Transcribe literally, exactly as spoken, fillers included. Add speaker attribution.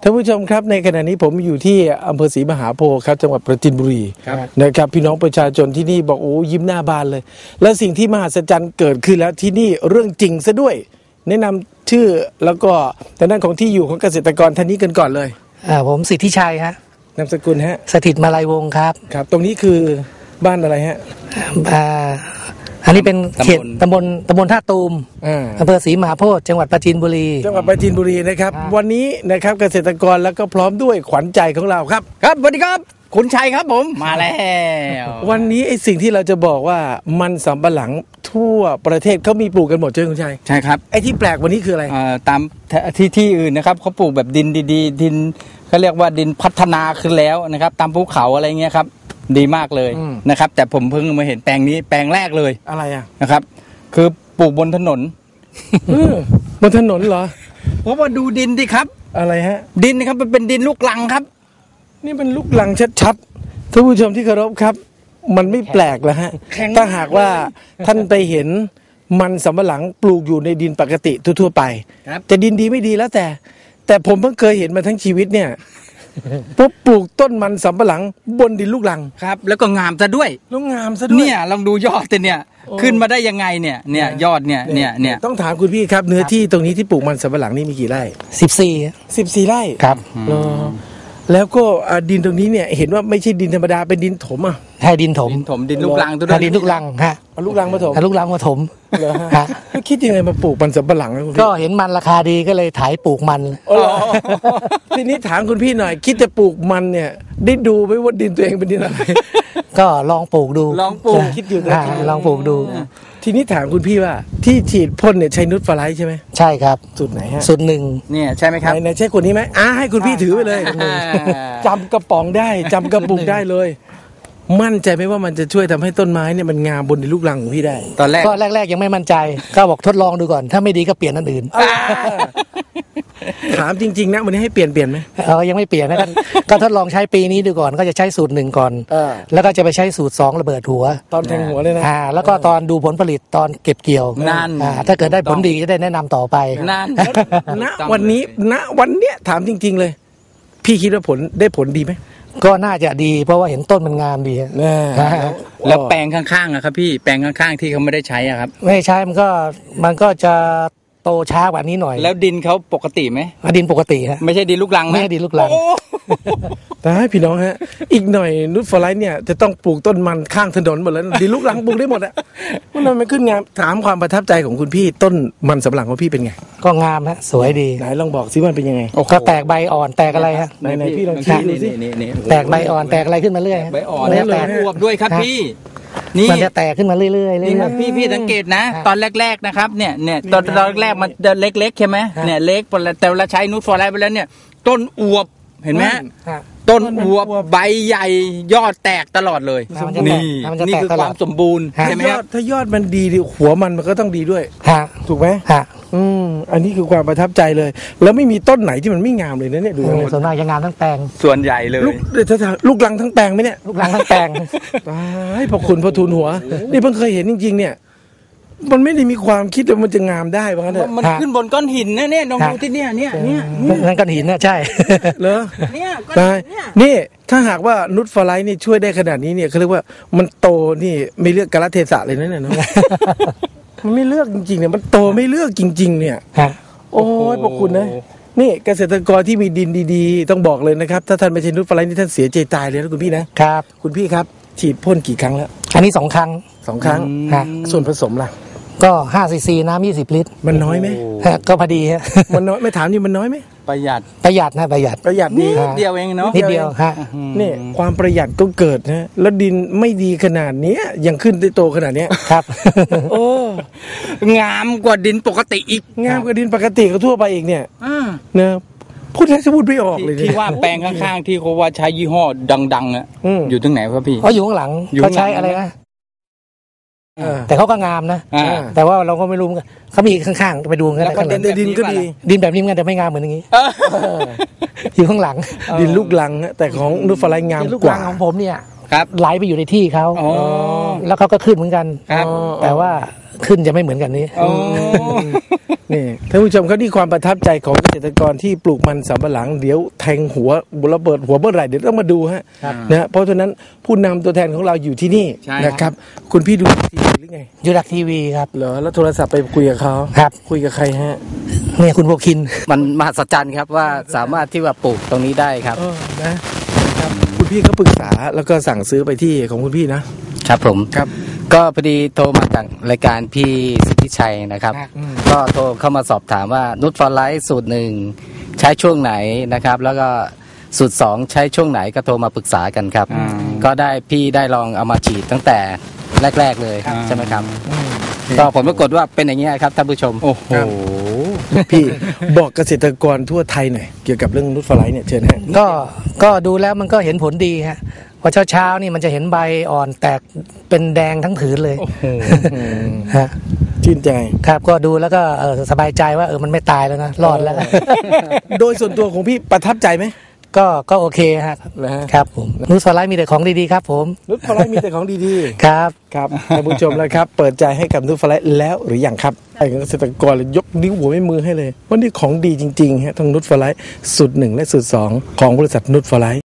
Speaker 1: ท่านผู้ชมครับในขณะนี้ผมอยู่ที่อำเภอศรีมหาโพธิ์ครับจังหวัดปราจีนบุรีนะครับพี่น้องประชาชนที่นี่บอกโอ้ยิ้มหน้าบานเลยและสิ่งที่มหัศจรรย์เกิดขึ้นแล้วที่นี่เรื่องจริงซะด้วยแนะนำชื่อแล้วก็ทางด้านของที่อยู่ของเกษตรกรท่านนี้กันก่อนเลย
Speaker 2: อ่าผมสิทธิชัยฮะ
Speaker 1: นามสกุลฮะ
Speaker 2: สถิตมาลัยวงศ์ครับ
Speaker 1: ครับตรงนี้คือบ้านอะไรฮะ
Speaker 2: อ่าอันนี้เป็นเขตตำบลตำบลท่าตูมอำเภอศรีมหาโพธิ์จังหวัดปราจีนบุรี
Speaker 1: จังหวัดปราจีนบุรีนะครับวันนี้นะครับเกษตรกรแล้วก็พร้อมด้วยขวัญใจของเราครับ
Speaker 3: ครับสวัสดีครับคุณชัยครับผมมาแล้ว
Speaker 1: วันนี้ไอ้สิ่งที่เราจะบอกว่ามันสำปะหลังทั่วประเทศเขามีปลูกกันหมดใช่ไหมคุณชัย
Speaker 3: ใช่ครับ
Speaker 1: ไอ้ที่แปลกวันนี้คืออะไร
Speaker 3: ตามที่ที่อื่นนะครับเขาปลูกแบบดินดีๆดินเขาเรียกว่าดินพัฒนาขึ้นแล้วนะครับตามภูเขาอะไรเงี้ยครับดีมากเลยนะครับแต่ผมเพิ่งมาเห็นแปลงนี้แปลงแรกเลย
Speaker 1: อะไรอ่ะ
Speaker 3: นะครับคือปลูกบนถนน
Speaker 1: บนถนนเหรอ
Speaker 3: เพราะว่าดูดินดิครับ
Speaker 1: อะไรฮะ
Speaker 3: ดินนะครับมันเป็นดินลูกรังครับ
Speaker 1: นี่เป็นลูกรังชัดๆท่านผู้ชมที่เคารพครับมันไม่แปลกแล้วฮะถ้าหากว่าท่านไปเห็นมันสำปะหลังปลูกอยู่ในดินปกติทั่วๆไปจะดินดีไม่ดีแล้วแต่แต่ผมเพิ่งเคยเห็นมาทั้งชีวิตเนี่ยปุ๊บปลูกต้นมันสำปะหลังบนดินลูกรัง
Speaker 3: ครับแล้วก็งามซะด้วย
Speaker 1: แล้วงามซะด้วย
Speaker 3: เนี่ยลองดูยอดเนี่ยขึ้นมาได้ยังไงเนี่ยเนี่ยยอดเนี่ยเนี่ยเนี่ย
Speaker 1: ต้องถามคุณพี่ครับเนื้อที่ตรงนี้ที่ปลูกมันสำปะหลังนี่มีกี่ไร่
Speaker 2: สิบสี่
Speaker 1: สิบสี่ไร่
Speaker 2: ครับ
Speaker 1: แล้วก็ดินตรงนี้เนี่ยเห็นว่าไม่ใช่ดินธรรมดาเป็นดินถมอ่ะ
Speaker 2: ใช่ดินถม
Speaker 3: ถมดินลูกรังตัว
Speaker 2: นั้นดินลูกรังฮะ
Speaker 1: ลูกรังมาถม
Speaker 2: ลูกรังมาถม
Speaker 1: เหรอฮะแล้วคิดยังไงมาปลูกมันสำปะหลัง
Speaker 2: ก็เห็นมันราคาดีก็เลยถ่ายปลูกมัน
Speaker 1: ทีนี้ถามคุณพี่หน่อยคิดจะปลูกมันเนี่ยได้ดูไหมว่าดินตัวเองเป็นดินอะไร
Speaker 2: ก็ลองปลูกดู
Speaker 3: ลองปลูก
Speaker 1: คิดอยู่
Speaker 2: นะลองปลูกดู
Speaker 1: ทีนี้ถามคุณพี่ว่าที่ฉีดพ่นเนี่ยใช้นูตฟลายใช่ไหม
Speaker 2: ใช่ครับ
Speaker 1: สูตรไหนฮะ
Speaker 2: สูตรหนึ่ง
Speaker 3: เนี่ยใช่ไหมครับ
Speaker 1: ไหนใช่คนนี้ไหมอ่าให้คุณพี่ถือไปเลยจำกระป๋องได้จำกระปุกได้เลยมั่นใจไหมว่ามันจะช่วยทำให้ต้นไม้เนี่ยมันงามบนในลูกรังของพี่ได้
Speaker 2: ตอนแรกก็แรกๆยังไม่มั่นใจก็บอกทดลองดูก่อนถ้าไม่ดีก็เปลี่ยนอันอื่น
Speaker 1: ถามจริงๆนะวันนี้ให้เปลี่ยนเปลี่ยนไหม
Speaker 2: เออยังไม่เปลี่ยนนะก็ทดลองใช้ปีนี้ดูก่อนก็จะใช้สูตรหนึ่งก่อนแล้วก็จะไปใช้สูตรสองระเบิดหัว
Speaker 1: ตอนแทงหัวเลยนะ
Speaker 2: อ่าแล้วก็ตอนดูผลผลิตตอนเก็บเกี่ยว
Speaker 3: นั่น
Speaker 2: อ่าถ้าเกิดได้ผลดีจะได้แนะนำต่อไป
Speaker 3: นั่น
Speaker 1: ณวันนี้ณวันเนี้ยถามจริงๆเลยพี่คิดว่าผลได้ผลดีไหม
Speaker 2: ก็น่าจะดีเพราะว่าเห็นต้นมันงามดี
Speaker 3: แล้วแปลงข้างๆอะครับพี่แปลงข้างๆที่เขาไม่ได้ใช้อะครับ
Speaker 2: ไม่ใช้มันก็มันก็จะโตช้ากว่านี้หน่อย
Speaker 3: แล้วดินเขาปกติไหม
Speaker 2: ดินปกติฮะ
Speaker 3: ไม่ใช่ดินลูกรัง
Speaker 2: ไม่ใช่ดินลูกรัง
Speaker 1: แต่ให้พี่น้องฮะอีกหน่อยนูตฟลายเนี่ยจะต้องปลูกต้นมันข้างถนนหมดแล้วดินลูกรังปลูกได้หมดอะมันไม่ขึ้นงามถามความประทับใจของคุณพี่ต้นมันสำปะหลังของพี่เป็นไง
Speaker 2: ก็งามฮะสวยดี
Speaker 1: ไหนลองบอกสิมันเป็นยังไง
Speaker 2: ก็แตกใบอ่อนแตกอะไรฮะ
Speaker 1: ไหนๆพี่ลองชี้ดูสิ
Speaker 2: แตกใบอ่อนแตกอะไรขึ้นมาเรื่อย
Speaker 3: ใบอ่อนแตกอวบด้วยครับพี่
Speaker 2: นี่มันจะแตกขึ้นมาเรื่อยๆเรื่อย
Speaker 3: ๆพี่พี่สังเกตนะตอนแรกๆนะครับเนี่ยเนี่ยตอนตอนแรกมันจะเล็กๆใช่ไหมเนี่ยเล็กแต่เวลาใช้นูตฟลายไปแล้วเนี่ยต้นอวบเห็นไหมต้นอวบใบใหญ่ยอดแตกตลอดเลยนี่นี่คือความสมบูรณ์ใช่ไหมครับ
Speaker 1: ถ้ายอดมันดีหัวมันมันก็ต้องดีด้วยถูกไหมอืมอันนี้คือความประทับใจเลยแล้วไม่มีต้นไหนที่มันไม่งามเลยนะเนี่ยดู
Speaker 2: ส่วนมากจะงามทั้งแปลง
Speaker 3: ส่วนใหญ่เลย
Speaker 1: ลูกลูกรังทั้งแปลงไหมเนี่ย
Speaker 2: ลูกรังทั้งแปลง
Speaker 1: ตายพอคุณพอทูลหัวนี่เพิ่งเคยเห็นจริงๆเนี่ยมันไม่ได้มีความคิดว่ามันจะงามได้บ้างนะ
Speaker 3: มันขึ้นบนก้อนหินนะเนี่ยลองดูที่เนี่ยเนี่ยเนี่ย
Speaker 2: นั่นก้อนหินนะใช่
Speaker 1: เหรอ
Speaker 3: เนี่ย
Speaker 1: ก้อนนี่ถ้าหากว่านูตฟลายนี่ช่วยได้ขนาดนี้เนี่ยเขาเรียกว่ามันโตนี่ไม่เลือกกาลเทศะเลยนะเนี่ยมันไม่เลือกจริงๆเนี่ยมันโตไม่เลือกจริงๆเนี่ยโอ้ยพวกคุณนะนี่เกษตรกรที่มีดินดีๆต้องบอกเลยนะครับถ้าท่านไม่ใช่นูตฟลายนี่ท่านเสียใจตายเลยนะคุณพี่นะครับคุณพี่ครับฉีดพ่นกี่ครั้งแล้ว
Speaker 2: อันนี้สองครั้ง
Speaker 1: สองครั้งส่วนผสมล่ะ
Speaker 2: ก็ห้าซีซีน้ำยี่สิบลิตร
Speaker 1: มันน้อยไหม
Speaker 2: ก็พอดีฮะ
Speaker 1: มันน้อยไม่ถามนี่มันน้อยไหม
Speaker 3: ประหยัด
Speaker 2: ประหยัดนะประหยัด
Speaker 1: ประหยัด
Speaker 3: นิดเดียวเองเนาะ
Speaker 2: นิดเดียวฮะ
Speaker 1: นี่ความประหยัดก็เกิดนะแล้วดินไม่ดีขนาดนี้ยังขึ้นได้โตขนาดนี้
Speaker 2: ครับ
Speaker 1: โอ้
Speaker 3: งามกว่าดินปกติอีก
Speaker 1: งามกว่าดินปกติก็ทั่วไปอีกเนี่ยนะพูดแทบจะพูดไม่ออกเลย
Speaker 3: ที่ว่าแปลงข้างๆที่เขาว่าใช้ยี่ห้อดังๆอ่ะอยู่ตรงไหนครับพี่
Speaker 2: เขาอยู่ข้างหลังเขาใช้อะไรนะแต่เขาก็งามนะแต่ว่าเราก็ไม่รู้เขามีข้างๆไปดูกันแล้ว
Speaker 1: ดินก็ดี
Speaker 2: ดินแบบนี้กันแต่ไม่งามเหมือนอย่างนี้อยู่ข้างหลัง
Speaker 1: ดินลูกลังแต่ของนูตฟลายงามกว่า
Speaker 2: ของผมเนี่ยไหลไปอยู่ในที่เขาแล้วเขาก็ขึ้นเหมือนกัน
Speaker 3: ครับ
Speaker 2: แต่ว่าขึ้นจะไม่เหมือนกันนี้
Speaker 3: โอ้
Speaker 1: นี่ท่านผู้ชมครับนี่ความประทับใจของเกษตรกรที่ปลูกมันสำปะหลังเดี๋ยวแทงหัวระเบิดหัวเมื่อไหร่เดี๋ยวต้องมาดูฮะ
Speaker 2: ครับ
Speaker 1: นะเพราะฉะนั้นผู้นำตัวแทนของเราอยู่ที่นี่
Speaker 3: ใช่
Speaker 1: นะครับ คุณพี่ดูทีวีหรือไง
Speaker 2: ยูดักทีวีครับ
Speaker 1: เหรอแล้วโทรศัพท์ไปคุยกับเขา
Speaker 2: ครับ
Speaker 1: คุยกับใครฮะ
Speaker 2: เนี่ยคุณโบคิน
Speaker 4: มันมหัศจรรย์ครับว่าสามารถที่ว่าปลูกตรงนี้ได้ครับ
Speaker 1: เออนะนะครับคุณพี่ก็ปรึกษาแล้วก็สั่งซื้อไปที่ของคุณพี่นะครับ
Speaker 4: ผม
Speaker 1: ครับ
Speaker 4: ก็พอดีโทรมาจากรายการพี่สิทธิชัยนะครับ
Speaker 1: อืม
Speaker 4: ก็โทรเข้ามาสอบถามว่านุชฟอร์ไลท์สูตรหนึ่งใช้ช่วงไหนนะครับ แล้วก็สูตรสองใช้ช่วงไหนก็โทรมาปรึกษากันครับ
Speaker 3: อืม
Speaker 4: ก็ได้พี่ได้ลองเอามาฉีดตั้งแต่แรก ๆเลย
Speaker 3: ครับ
Speaker 4: ใช่ไหมครับ
Speaker 1: อืม
Speaker 4: ก็ผลปรากฏว่าเป็นอย่างนี้ยครับท่านผู้ชม
Speaker 3: โอ้โห
Speaker 1: พี่บอกเกษตรกรทั่วไทยหน่อยเกี่ยวกับเรื่องนุชฟลายเนี่ยเชิญฮะ
Speaker 2: ก็ก็ดูแล้วมันก็เห็นผลดีฮะพอเช้าๆนี่มันจะเห็นใบอ่อนแตกเป็นแดงทั้งผืนเลย
Speaker 3: โอ้โห
Speaker 2: ฮะ
Speaker 1: ชื่นใจ
Speaker 2: ครับก็ดูแล้วก็เออสบายใจว่าเออมันไม่ตายแล้วนะรอดแล้ว
Speaker 1: โดยส่วนตัวของพี่ประทับใจไหม
Speaker 2: ก็ก็โอเคฮะ
Speaker 1: นะฮะ
Speaker 2: ครับผมนูสไลด์มีแต่ของดีๆครับผม
Speaker 1: นุชฟลายมีแต่ของดีๆ
Speaker 2: ครับ
Speaker 1: ครับท่านผู้ชมแล้วครับ เปิดใจให้กับนุชฟลายแล้วหรือยังครับไอ้เกษตรกรเลยยกนิ้วหัวไม่มือให้เลยว่านี่ของดีจริงๆฮะทั้งนุชฟลายสูตรหนึ่งและสูตรสองของบริษัทนุชฟลาย